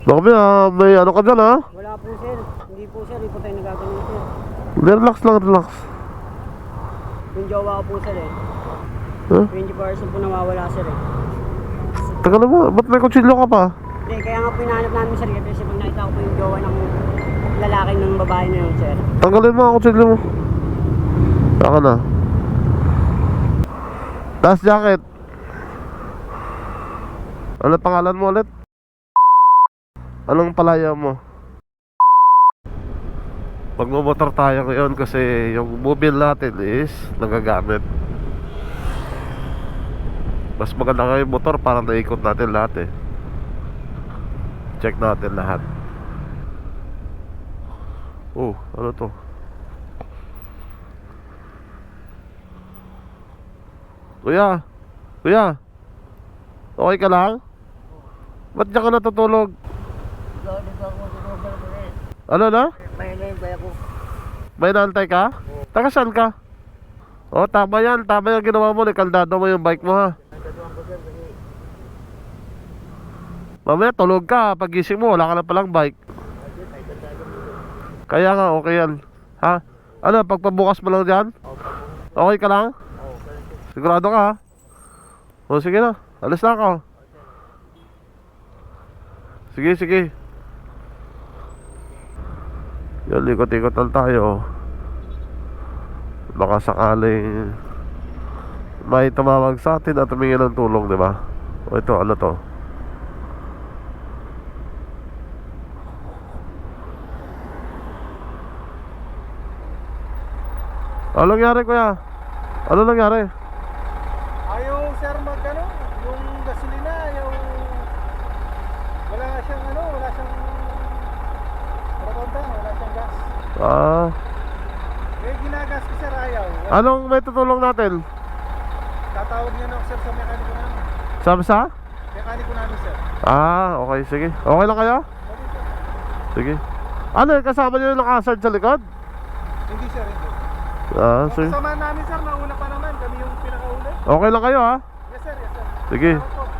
Baka may ano ka dyan ha? Wala po sir. Hindi po sir. Hindi po tayo nagagano sir. Relax lang, relax. Yung jowa ko po sir eh. Huh? 24 hours po nawawala sir eh. Taga na mo, ba't may kutsilyo ka pa? Hindi, kaya nga po hinahanap namin sir. Kasi pag nakita ko po yung jowa ng lalaki ng babae na yun sir. Tanggalin mo ang kutsilyo mo. Saka na. Last jacket. Ano pangalan mo ulit? Anong palaya mo? Magmumotor tayo ngayon kasi yung mobile natin is nagagamit. Mas maganda nga yung motor para naikot natin lahat eh. Check natin lahat. Oh, ano to? Kuya, kuya, okay ka lang? Ba't diyan ka natutulog? Ano na? May naimbay ako. May naantay ka? Taga saan ka? Oh, tama yan. Tama yung ginawa mo. Ikaldado mo yung bike mo ha. Mamaya tulog ka. Pagising mo, wala ka na palang bike. Kaya nga, okay yan. Ha? Ano, pagpabukas mo lang dyan? Okay ka lang? Sigurado ka ha? O sige na, alis na ako. Sige, sige. Yan, ikot-ikot lang tayo. Baka sakaling may tumawag sa atin at tumingin ng tulong, di ba? O ito, ano to? Ano nangyari, kuya? Ano nangyari? Ayaw sir magano, yung gasolina, yung wala siyang wala siyang wala siyang gas. Ah, Eh ginagas ko sir, ayaw. anong may tutulong natin? Tatawag niyo na ako sir sa mekaniko namin. Sabi sa? Mekaniko namin sir. Ah, okay, sige. Okay lang kayo? Okay sir. Sige. Ano, kasama niyo yung nakasard sa likod? Hindi sir, hindi. Ah, sige. Kasama namin sir, nauna pa naman, kami yung pinakauli. Okay lang kayo ha? Yes sir, yes sir. Sige. Salamat po.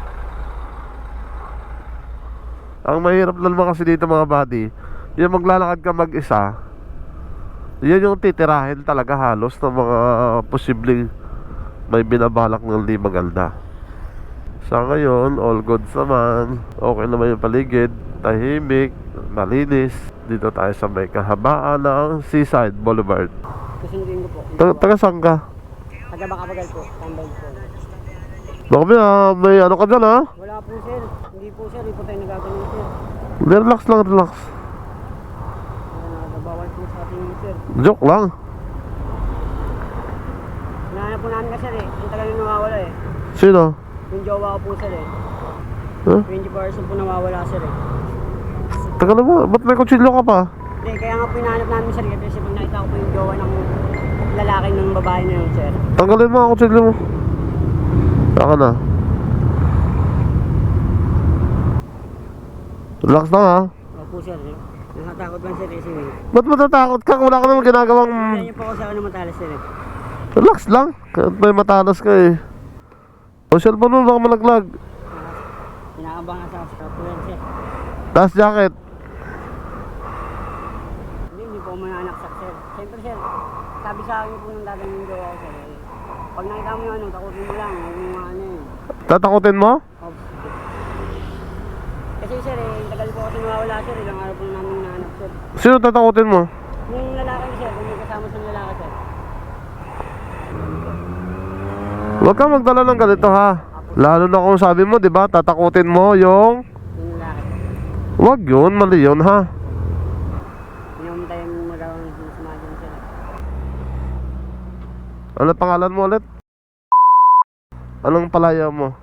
Ang mahirap naman kasi dito mga buddy, yung maglalakad ka mag-isa, yan yung titirahin talaga halos ng mga posibleng may binabalak ng di maganda. Sa ngayon, all goods naman. Okay naman yung paligid, tahimik, malinis. Dito tayo sa may kahabaan ng Seaside Boulevard. Susundin ko po. Taga saan ka? Taga Bakabagal po. Tambay po. Baka may ano ka dyan ha? Wala po sir. Hindi po sir. Hindi po tayo nagagano sir. Relax lang, relax. Nabawal po sa ating sir. Joke lang. Hinahanap po namin ka sir eh. Ang tagal na nawawala eh. Sino? Yung jowa ko po sir eh. Huh? 24 hours po nawawala sir eh. Taga na mo, ba't may kutsilyo ka pa? Hindi, kaya nga po hinahanap namin sir. Kasi pag nakita ko po yung jowa ng lalaki ng babae na yun sir. Tanggalin mo ang kutsilyo mo. Saka na. Relax lang ha. Opo sir. Nakatakot lang sir eh. Sige. Ba't matatakot ka? Wala ka naman ginagawang... Kaya niyo po ako sa ano matalas sir eh. Relax lang. Kahit may matalas ka eh. O cellphone mo baka malaglag. Inaabang nga sa po yan sir. Last jacket. Hindi po mananaksak sir. Siyempre sir, sabi sa akin po ng dagang yung jowa ko sir. Pag nakita mo yung ano, takutin mo lang. Huwag mo mga ano eh. Tatakutin mo? Ops. Kasi sir eh, tagal po kasi nawawala sir. Ilang araw po namin nahanap sir. Sino tatakutin mo? Yung lalaki sir, kung may kasama sa lalaki sir. Huwag kang magdala ng ganito ha. Lalo na kung sabi mo, di ba, tatakutin mo yung... Yung lalaki. Huwag yun, mali yun ha. Pinamatayin mo daw ang sumadyan sir. Ano pangalan mo ulit? Anong palaya mo?